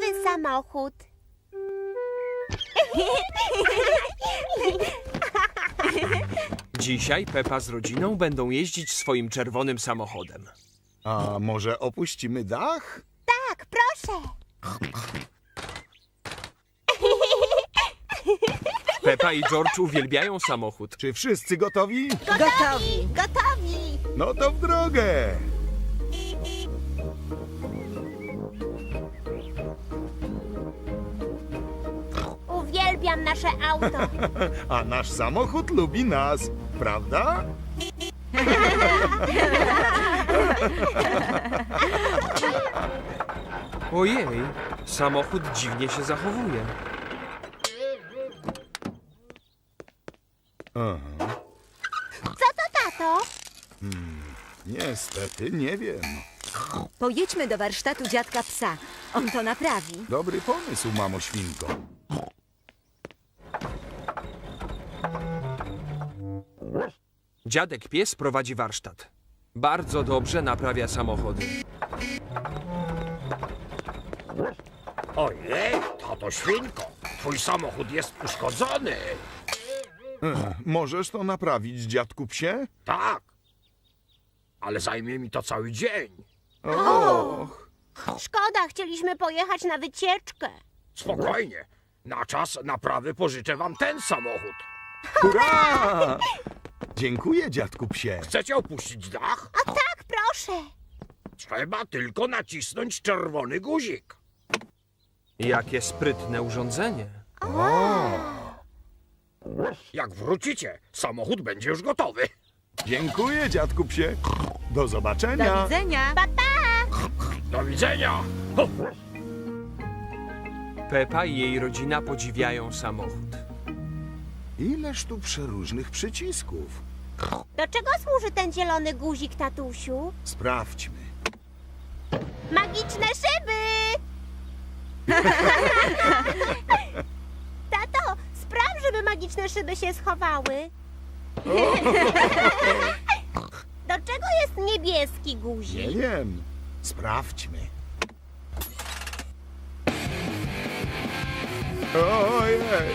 nowy samochód. Dzisiaj Pepa z rodziną będą jeździć swoim czerwonym samochodem. A może opuścimy dach? Tak, proszę. Pepa i George uwielbiają samochód. Czy wszyscy gotowi? Gotowi! Gotowi! No to w drogę! Uwielbiam nasze auto. A nasz samochód lubi nas, prawda? Ojej, samochód dziwnie się zachowuje. Aha. Co to, tato? Niestety nie wiem. Pojedźmy do warsztatu dziadka psa. On to naprawi. Dobry pomysł, mamo świnko. Dziadek pies prowadzi warsztat. Bardzo dobrze naprawia samochody. Ojej, tato świnko, twój samochód jest uszkodzony. Możesz to naprawić, dziadku psie? Tak, ale zajmie mi to cały dzień. Och, Szkoda, chcieliśmy pojechać na wycieczkę. Spokojnie, na czas naprawy pożyczę wam ten samochód. hurra! Dziękuję, dziadku psie. Chcecie opuścić dach? A tak, proszę. Trzeba tylko nacisnąć czerwony guzik. Jakie sprytne urządzenie. Jak wrócicie, samochód będzie już gotowy. Dziękuję, dziadku psie. Do Do zobaczenia. widzenia. Do widzenia. Ho. Pepa i jej rodzina podziwiają samochód. Ileż tu przeróżnych przycisków. Do czego służy ten zielony guzik, tatusiu? Sprawdźmy. Magiczne szyby! Tato, spraw, żeby magiczne szyby się schowały. Do czego jest niebieski Nie guzik? wiem. Sprawdźmy. Ojej.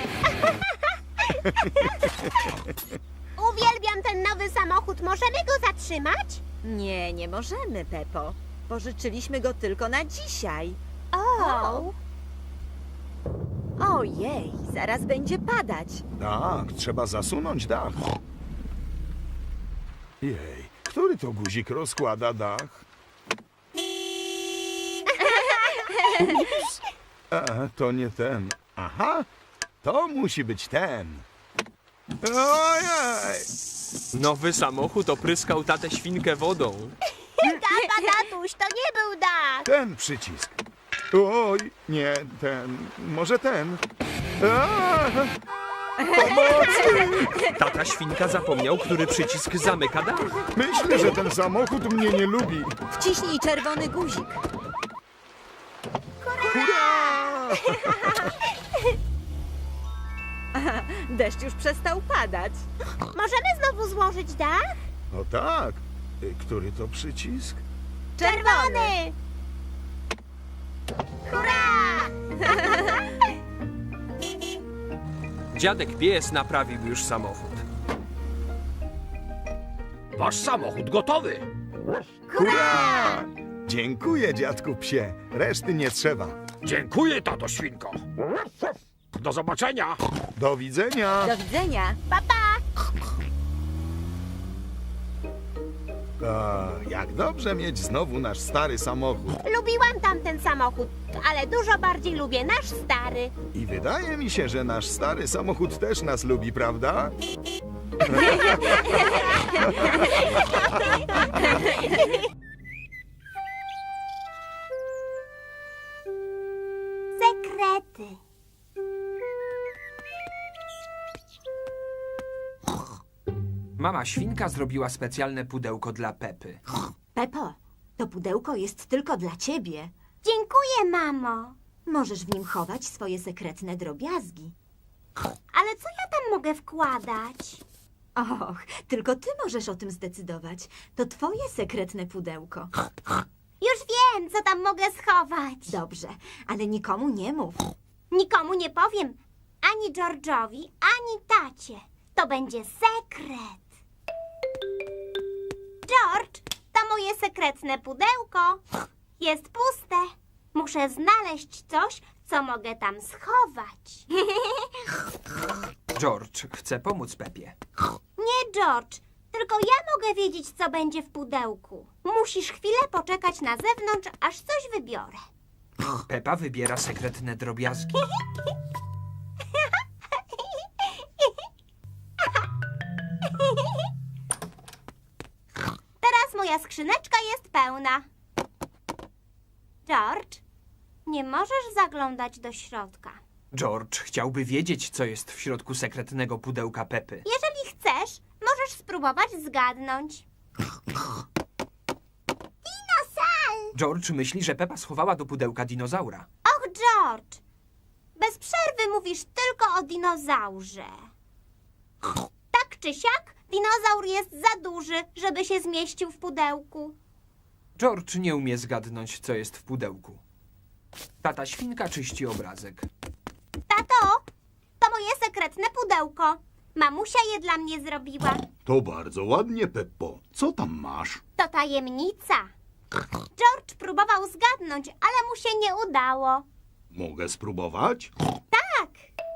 Uwielbiam ten nowy samochód. Możemy go zatrzymać? Nie, nie możemy, Pepo. Pożyczyliśmy go tylko na dzisiaj. O! Ojej, zaraz będzie padać. Tak, trzeba zasunąć dach. Jej, który to guzik rozkłada dach? Ups. To nie ten. Aha, to musi być ten. Ojej! Nowy samochód opryskał tatę świnkę wodą. Tata, tatuś, to nie był dach. Ten przycisk. Oj, nie ten. Może ten. A! Pomocy! Tata świnka zapomniał, który przycisk zamyka dach. Myślę, że ten samochód mnie nie lubi. Wciśnij czerwony guzik. Hurra! Deszcz już przestał padać. Możemy znowu złożyć dach? O tak. Który to przycisk? Czerwony! Hurra! Dziadek pies naprawił już samochód. Wasz samochód gotowy. Hurra! Dziękuję, dziadku psie. Reszty nie trzeba. Dziękuję, tato świnko. Do zobaczenia. Do widzenia. Do widzenia. Jak dobrze mieć znowu nasz stary samochód. Lubiłam tamten samochód, ale dużo bardziej lubię nasz stary. I wydaje mi się, że nasz stary samochód też nas lubi, prawda? Sekrety. Mama świnka zrobiła specjalne pudełko dla Pepy. Pepo, to pudełko jest tylko dla ciebie. Dziękuję, mamo. Możesz w nim chować swoje sekretne drobiazgi. Ale co ja tam mogę wkładać? Och, tylko ty możesz o tym zdecydować. To twoje sekretne pudełko. Już wiem! wiem, co tam mogę schować. Dobrze, ale nikomu nie mów. Nikomu nie powiem. Ani George'owi, ani tacie. To będzie sekret. George, to moje sekretne pudełko. Jest puste. Muszę znaleźć coś, co mogę tam schować. George chce pomóc Pepie. Nie, George. Tylko ja mogę wiedzieć, co będzie w pudełku. Musisz chwilę poczekać na zewnątrz, aż coś wybiorę. Pepa wybiera sekretne drobiazgi. Teraz moja skrzyneczka jest pełna. George, nie możesz zaglądać do środka. George chciałby wiedzieć, co jest w środku sekretnego pudełka Pepy. Jeżeli chcesz, możesz spróbować zgadnąć. Dinosaur! George myśli, że Pepa schowała do pudełka dinozaura. Och, George! Bez przerwy mówisz tylko o dinozaurze. Tak czy siak, dinozaur jest za duży, żeby się zmieścił w pudełku. George nie umie zgadnąć, co jest w pudełku. Tata świnka czyści obrazek. Tato, to moje sekretne pudełko. Mamusia je dla mnie zrobiła. To bardzo ładnie, Peppo. Co tam masz? To tajemnica. George próbował zgadnąć, ale mu się nie udało. Mogę spróbować? Tak,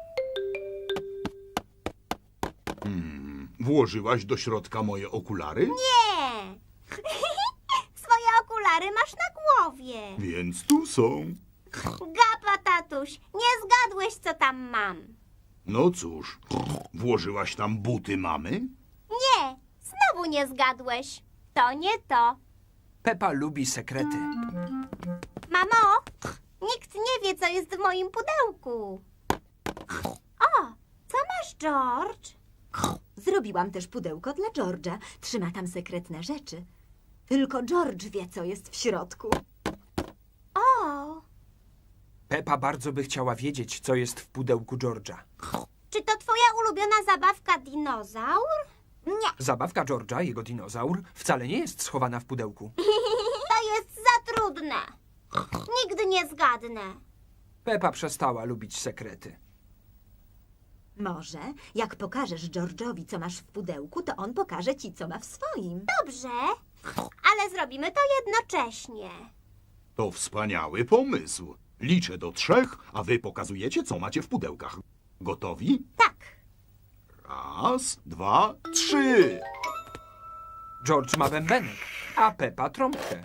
Włożyłaś do środka moje okulary? nie. Swoje okulary masz na głowie. Więc tu są. Gapa, tatuś, nie zgadłeś, co tam mam. No cóż, włożyłaś tam buty mamy? Nie, znowu nie zgadłeś. To nie to. Pepa lubi sekrety. Mamo, nikt nie wie, co jest w moim pudełku. O, co masz, George? Zrobiłam też pudełko dla George'a. Trzyma tam sekretne rzeczy. Tylko George wie, co jest w środku. O, Pepa bardzo by chciała wiedzieć, co jest w pudełku George'a. czy to twoja ulubiona zabawka dinozaur? Nie, Zabawka George'a, jego dinozaur, wcale nie jest schowana w pudełku. to jest za trudne. Nigdy nie zgadnę. Pepa przestała lubić sekrety. Może, jak pokażesz George'owi, co masz w pudełku, to on pokaże ci, co ma w swoim. Dobrze, ale zrobimy to jednocześnie. To wspaniały pomysł. Liczę do 3, a wy pokazujecie, co macie w pudełkach. Gotowi? Tak. 1, 2, 3. George ma bębenek, a Pepa trąbkę.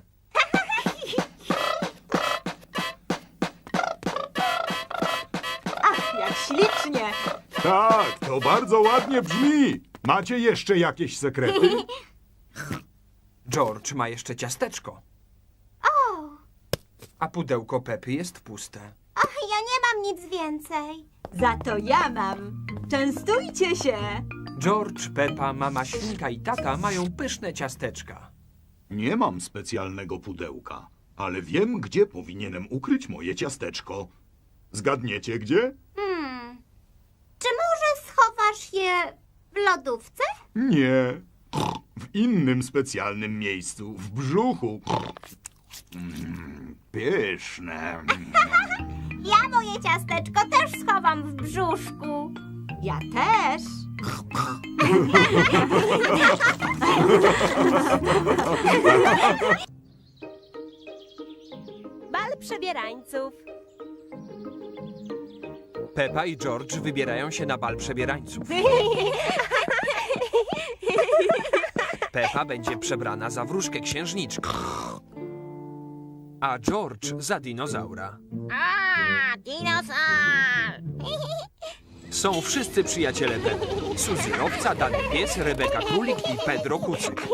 Ach, jak ślicznie! Tak, to bardzo ładnie brzmi. Macie jeszcze jakieś sekrety? George ma jeszcze ciasteczko, O, a pudełko Pepy jest puste. ach, ja nie mam nic więcej. Za to ja mam. Częstujcie się! George, Pepa, mama świnka i tata mają pyszne ciasteczka. Nie mam specjalnego pudełka, ale wiem, gdzie powinienem ukryć moje ciasteczko. Zgadniecie gdzie? Czy może schowasz je w lodówce? Nie. W innym specjalnym miejscu, w brzuchu. Pyszne. Ja moje ciasteczko też schowam w brzuszku. Ja też! Bal przebierańców. Pepa i George wybierają się na bal przebierańców. Pepa będzie przebrana za wróżkę księżniczkę, a George za dinozaura. A, dinozaur! Są wszyscy przyjaciele Pepy. Suzy Owca, Dany Pies, Rebeka Królik i Pedro Kucyk.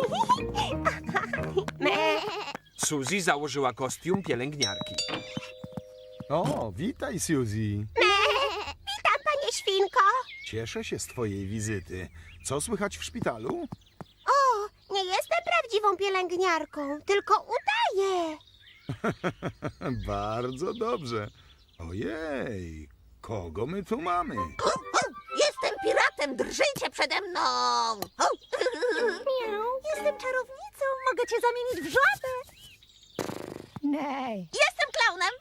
Suzy założyła kostium pielęgniarki. O, witaj, Suzy. Witam, panie świnko. Cieszę się z twojej wizyty. Co słychać w szpitalu? O, nie jestem prawdziwą pielęgniarką, tylko udaję. Bardzo dobrze. Ojej, kogo my tu mamy? Jestem piratem, drżyjcie przede mną. Jestem czarownicą, mogę cię zamienić w żabę. Jestem klaunem.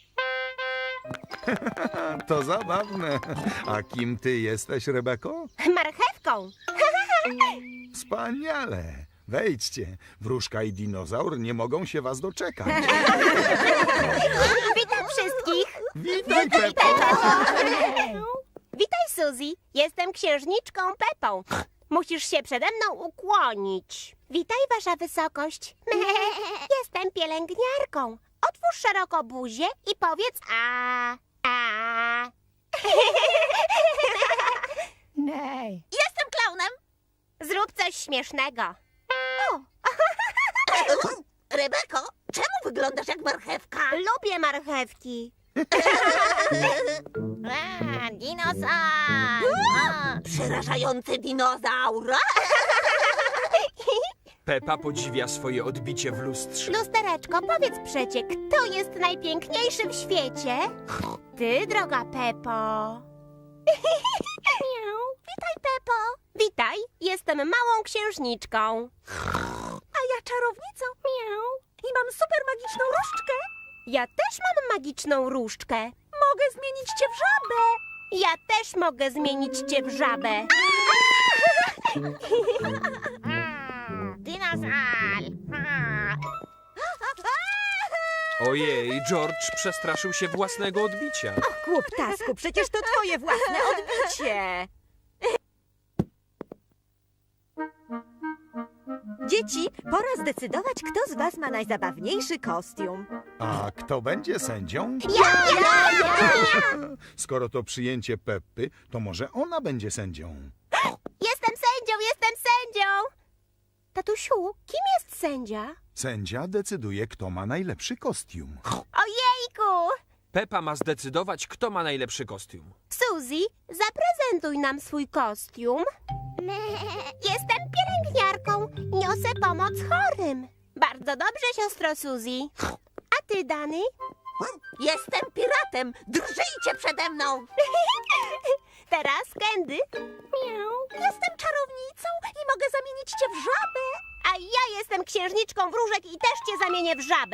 To zabawne. A kim ty jesteś, Rebeko? Marchewką. Wspaniale. Wejdźcie. Wróżka i dinozaur nie mogą się was doczekać. Witam wszystkich. Witaj, Peppo. Witaj, Suzy. Jestem księżniczką Pepą. Musisz się przede mną ukłonić. Witaj, wasza wysokość. Jestem pielęgniarką. Otwórz szeroko buzię i powiedz a. Jestem klaunem. Zrób coś śmiesznego. Rebeko, czemu wyglądasz jak marchewka? Lubię marchewki. Dinozaur! Przerażający dinozaur! Pepa podziwia swoje odbicie w lustrze. Lustereczko, powiedz przecie, kto jest najpiękniejszy w świecie? Ty, droga Pepo. Witaj, Pepo. Witaj, jestem małą księżniczką. A ja czarownicą. I mam super magiczną różdżkę. Ja też mam magiczną różdżkę. Mogę zmienić cię w żabę. Ja też mogę zmienić cię w żabę. Dinozaur! Ojej, George przestraszył się własnego odbicia. Głuptasku, przecież to twoje własne odbicie. Dzieci, pora zdecydować, kto z was ma najzabawniejszy kostium. A kto będzie sędzią? Ja! Skoro to przyjęcie Peppy, to może ona będzie sędzią. Jestem sędzią! Tatusiu, kim jest sędzia? Sędzia decyduje, kto ma najlepszy kostium. Ojejku! Pepa ma zdecydować, kto ma najlepszy kostium. Suzy, zaprezentuj nam swój kostium. Jestem pielęgniarką. Niosę pomoc chorym. Bardzo dobrze, siostro Suzy. A ty, Dany? Jestem piratem. Drżyjcie przede mną. Teraz Candy. Jestem czarownicą i mogę zamienić cię w żabę. A ja jestem księżniczką wróżek i też cię zamienię w żabę.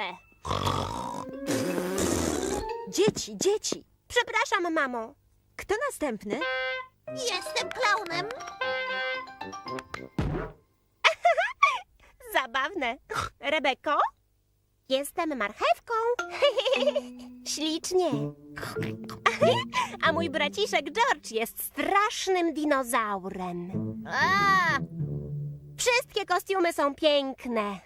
Dzieci, Przepraszam, mamo. kto następny? Jestem klaunem. Zabawne. Rebeko? Jestem marchewką. Ślicznie. A mój braciszek George jest strasznym dinozaurem. Wszystkie kostiumy są piękne.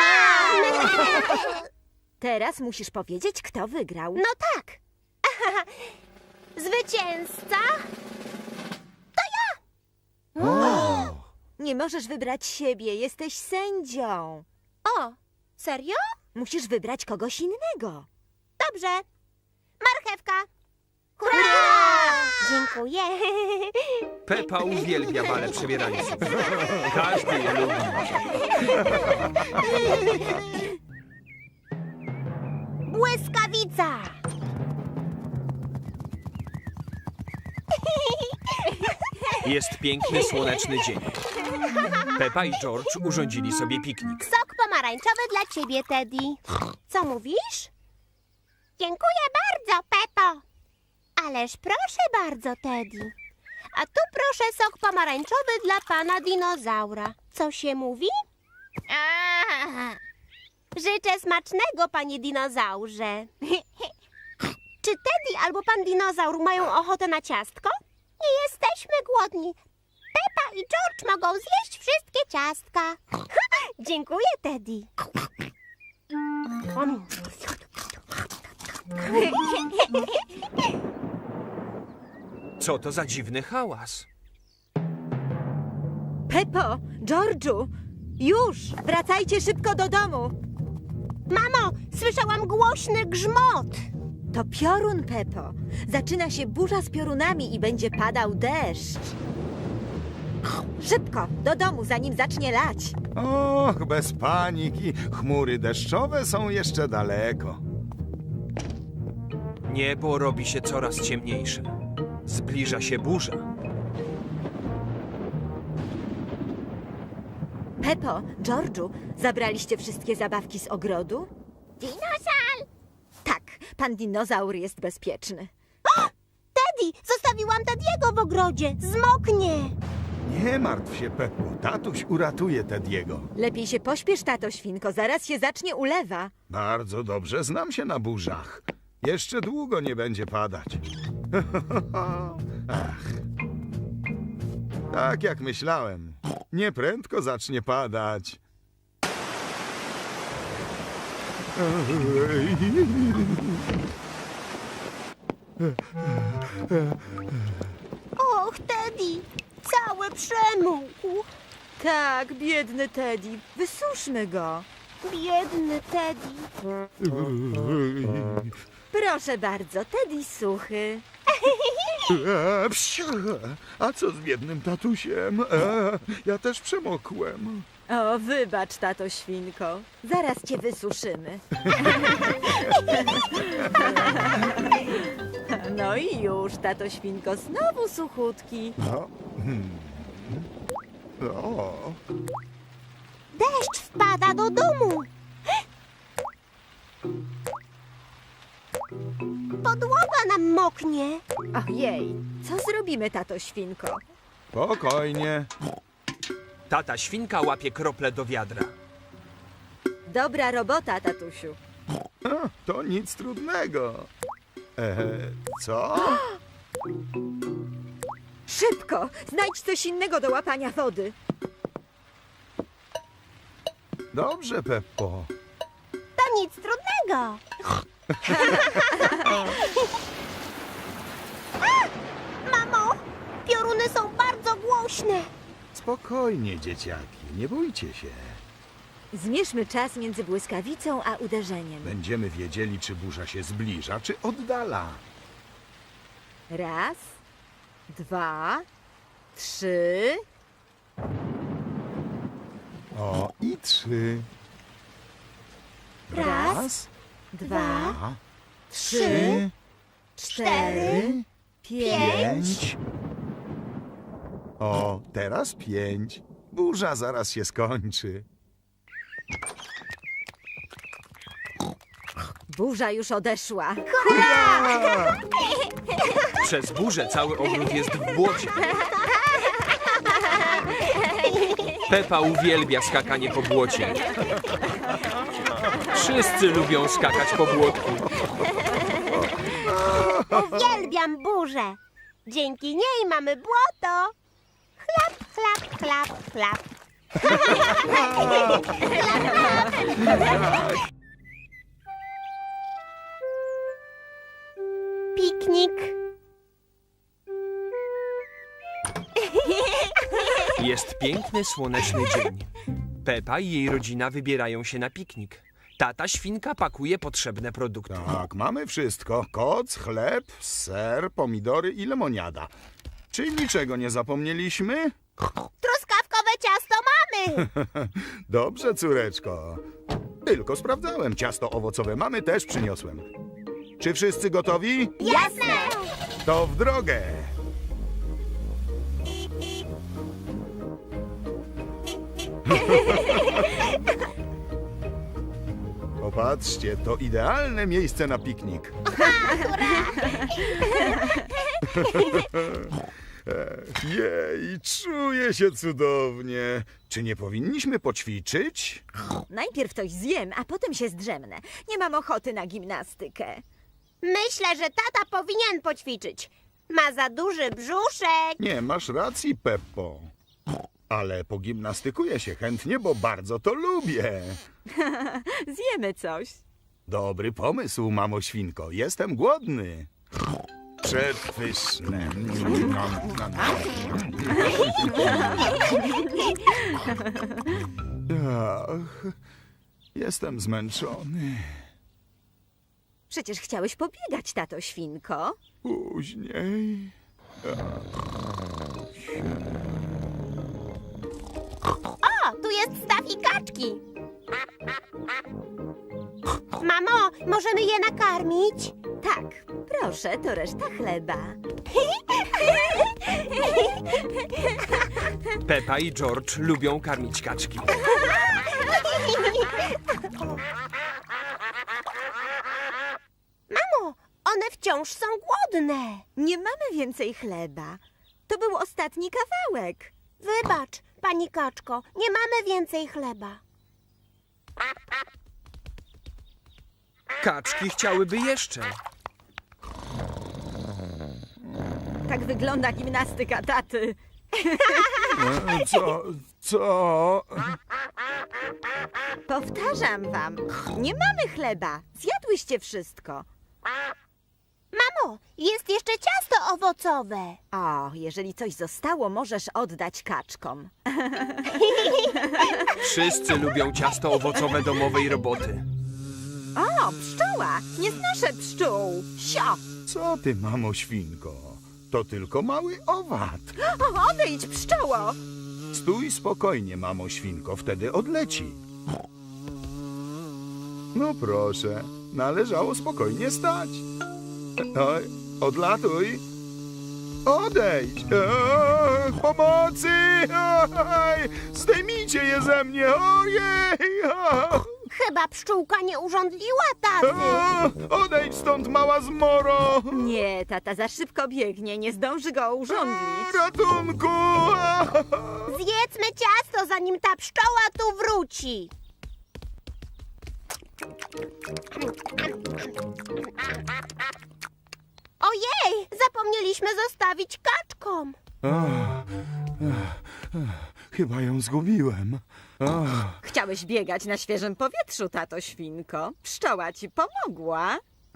Teraz musisz powiedzieć, kto wygrał. No tak. Zwycięzca? Nie możesz wybrać siebie, jesteś sędzią. O, serio? Musisz wybrać kogoś innego. Dobrze. Marchewka. Hurra! Dziękuję. Pepa uwielbia bale przebierańców. Każdy je lubi. Błyskawica. Jest piękny, słoneczny dzień. Pepa i George urządzili sobie piknik. Sok pomarańczowy dla ciebie, Teddy. Co mówisz? Dziękuję bardzo, Pepo. Ależ proszę bardzo, Teddy. A tu proszę sok pomarańczowy dla pana dinozaura. Co się mówi? Życzę smacznego, panie dinozaurze. Czy Teddy albo pan dinozaur mają ochotę na ciastko? Nie jesteśmy głodni. Pepa i George mogą zjeść wszystkie ciastka. Dziękuję, Teddy. Co to za dziwny hałas? Peppo, Georgiu, już! Wracajcie szybko do domu. Mamo, słyszałam głośny grzmot. To piorun, Peppo. Zaczyna się burza z piorunami i będzie padał deszcz. Szybko, do domu, zanim zacznie lać. Och, bez paniki. Chmury deszczowe są jeszcze daleko. Niebo robi się coraz ciemniejsze. Zbliża się burza. Peppo, Georgiu, zabraliście wszystkie zabawki z ogrodu? Dinozaur! Tak, pan dinozaur jest bezpieczny. Teddy, zostawiłam Teddy'ego w ogrodzie. Zmoknie. Nie martw się, Peppo. Tatuś uratuje Tediego. Lepiej się pośpiesz, tato świnko, zaraz się zacznie ulewa. Bardzo dobrze znam się na burzach. Jeszcze długo nie będzie padać. Ach. Tak jak myślałem. Nieprędko zacznie padać. Och, Teddy, cały przemógł. Tak, biedny Teddy, wysuszmy go. Biedny Teddy. Proszę bardzo, Teddy suchy. Psiu. A co z biednym tatusiem? Ja też przemokłem. O, wybacz, tato świnko, zaraz cię wysuszymy. No i już, tato świnko, znowu suchutki. O. Deszcz wpada do domu. Podłoga nam moknie. Ojej, co zrobimy, tato świnko? Spokojnie. Tata świnka łapie krople do wiadra. Dobra robota, tatusiu. To nic trudnego. Co? Szybko, znajdź coś innego do łapania wody. Dobrze, Peppo. To nic trudnego. Mamo, pioruny są bardzo głośne. Spokojnie, dzieciaki. Nie bójcie się. Zmierzmy czas między błyskawicą a uderzeniem. Będziemy wiedzieli, czy burza się zbliża, czy oddala. 1, 2, 3. O, i 3. Raz, 2, A, 3, 4, 5. 5. O, teraz 5. Burza zaraz się skończy. Burza już odeszła. Przez burzę cały ogród jest w błocie. Pepa uwielbia skakanie po błocie. Wszyscy lubią skakać po błotku. Uwielbiam burzę. Dzięki niej mamy błoto. Chlap, chlap, chlap, chlap. Piknik. Jest piękny, słoneczny dzień. Pepa i jej rodzina wybierają się na piknik. Tata świnka pakuje potrzebne produkty. Tak, mamy wszystko. Koc, chleb, ser, pomidory i lemoniada. Czy niczego nie zapomnieliśmy? Truskawkowe ciasto mamy. Dobrze, córeczko. Tylko sprawdzałem. Ciasto owocowe mamy, też przyniosłem. Czy wszyscy gotowi? Jasne. To w drogę. Popatrzcie, to idealne miejsce na piknik. Jej, czuję się cudownie. Czy nie powinniśmy poćwiczyć? Najpierw coś zjem, a potem się zdrzemnę. Nie mam ochoty na gimnastykę. Myślę, że tata powinien poćwiczyć. Ma za duży brzuszek. Nie, masz racji, Peppo. Ale pogimnastykuję się chętnie, bo bardzo to lubię. Zjemy coś. Dobry pomysł, mamo świnko. Jestem głodny. Przepyszne. Ach, jestem zmęczony. Przecież chciałeś pobiegać, tato świnko. Później. O, tu jest staw i kaczki. Mamo, możemy je nakarmić? Tak, proszę, to reszta chleba. Pepa i George lubią karmić kaczki. wciąż są głodne. Nie mamy więcej chleba. To był ostatni kawałek. Wybacz, pani kaczko, nie mamy więcej chleba. Kaczki chciałyby jeszcze. Tak wygląda gimnastyka taty. Co? Powtarzam wam, nie mamy chleba. Zjadłyście wszystko. Mamo, jest jeszcze ciasto owocowe. O, jeżeli coś zostało, możesz oddać kaczkom. Wszyscy lubią ciasto owocowe domowej roboty. O, pszczoła! Nie znoszę pszczół. Sio! Co ty, mamo świnko? To tylko mały owad. O, odejdź, pszczoło! Stój spokojnie, mamo świnko, wtedy odleci. No proszę, należało spokojnie stać. Oj, odlatuj. Odejdź. Pomocy! Oj, zdejmijcie je ze mnie. Ojej! Chyba pszczółka nie urządliła taty. Odejdź stąd, mała zmoro! Nie, tata za szybko biegnie, nie zdąży go urządlić. Ratunku! Zjedzmy ciasto, zanim ta pszczoła tu wróci. Ojej, zapomnieliśmy zostawić kaczkom. Chyba ją zgubiłem. Chciałeś biegać na świeżym powietrzu, tato świnko. Pszczoła ci pomogła.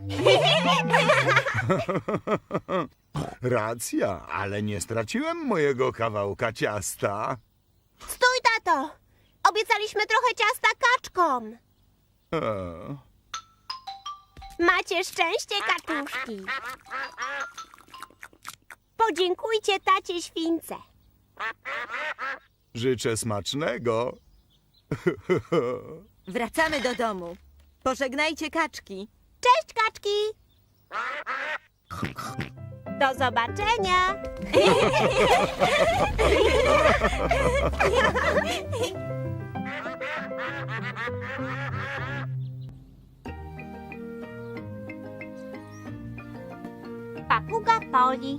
Racja, ale nie straciłem mojego kawałka ciasta. Stój, tato. Obiecaliśmy trochę ciasta kaczkom. Macie szczęście, kaczuszki. Podziękujcie tacie śwince. Życzę smacznego. Wracamy do domu. Pożegnajcie kaczki. Cześć, kaczki. Do zobaczenia. Papuga Poli.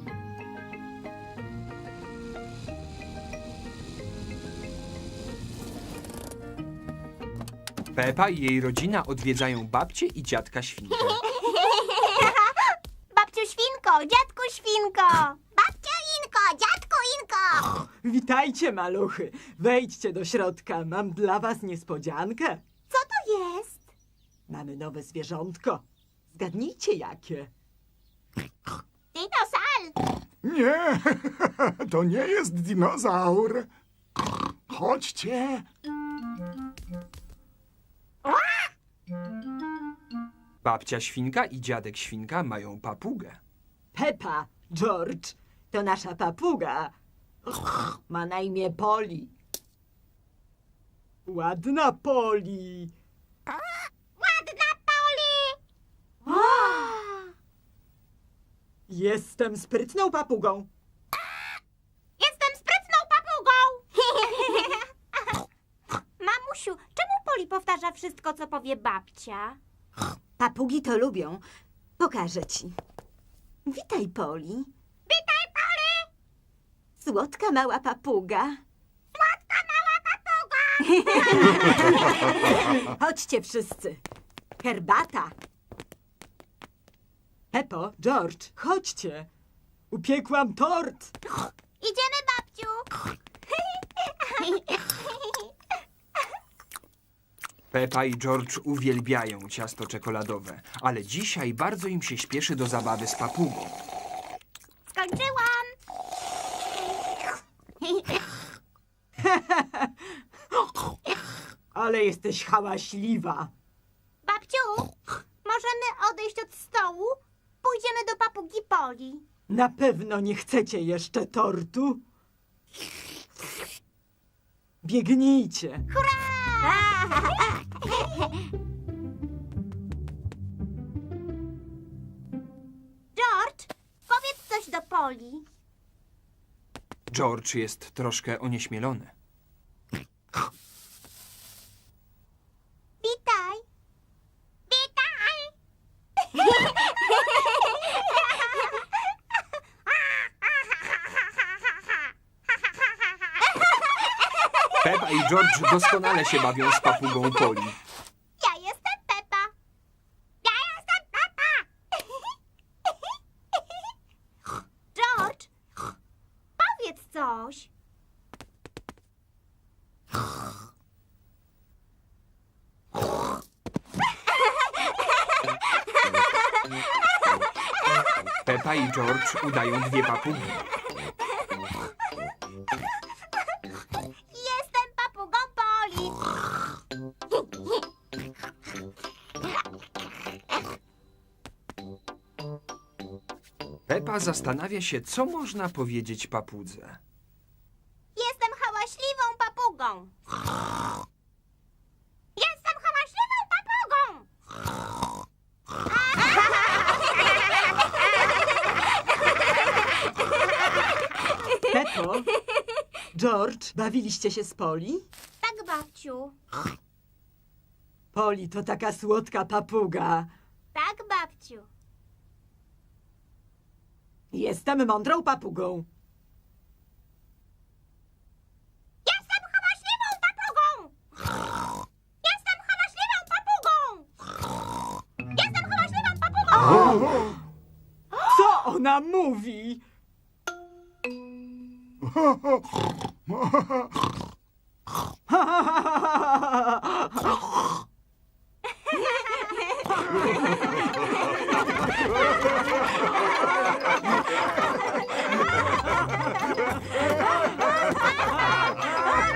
Pepa i jej rodzina odwiedzają babcię i dziadka świnkę. Babciu Świnko, dziadku Świnko. Babcia Inko, dziadku Inko. Witajcie, maluchy. Wejdźcie do środka. Mam dla was niespodziankę. Co to jest? Mamy nowe zwierzątko. Zgadnijcie jakie. Dinosaur. Nie, to nie jest dinozaur. Chodźcie. Babcia świnka i dziadek świnka mają papugę. Pepa, George, to nasza papuga. Ma na imię Poli. Ładna Poli. Ładna Poli. Jestem sprytną papugą. Jestem sprytną papugą. Mamusiu, czemu Poli powtarza wszystko, co powie babcia? Papugi to lubią. Pokażę ci. Witaj, Poli. Witaj, Poli. Słodka mała papuga. Słodka mała papuga. Chodźcie wszyscy. Herbata. Pepo, George, chodźcie. Upiekłam tort. Idziemy, babciu. Pepa i George uwielbiają ciasto czekoladowe, ale dzisiaj bardzo im się śpieszy do zabawy z papugą. Skończyłam. Ale jesteś hałaśliwa. Babciu, możemy odejść od stołu? Pójdziemy do papugi Poli. Na pewno nie chcecie jeszcze tortu? Biegnijcie. George, powiedz coś do Poli. George jest troszkę onieśmielony. Witaj. Witaj. i George doskonale się bawią z papugą Poli. Ja jestem Pepa. Ja jestem Pepa. George, powiedz coś. Pepa i George udają dwie papugi. Jestem papugą Poli. Pepa zastanawia się, co można powiedzieć papudze. Jestem hałaśliwą papugą. Jestem hałaśliwą papugą. Peppo, George, bawiliście się z Poli? Tak, babciu. Poli to taka słodka papuga. Tak, babciu. Jestem mądrą papugą. Jestem hałaśliwą papugą. Jestem hałaśliwą papugą. Jestem hałaśliwą papugą. Co ona mówi?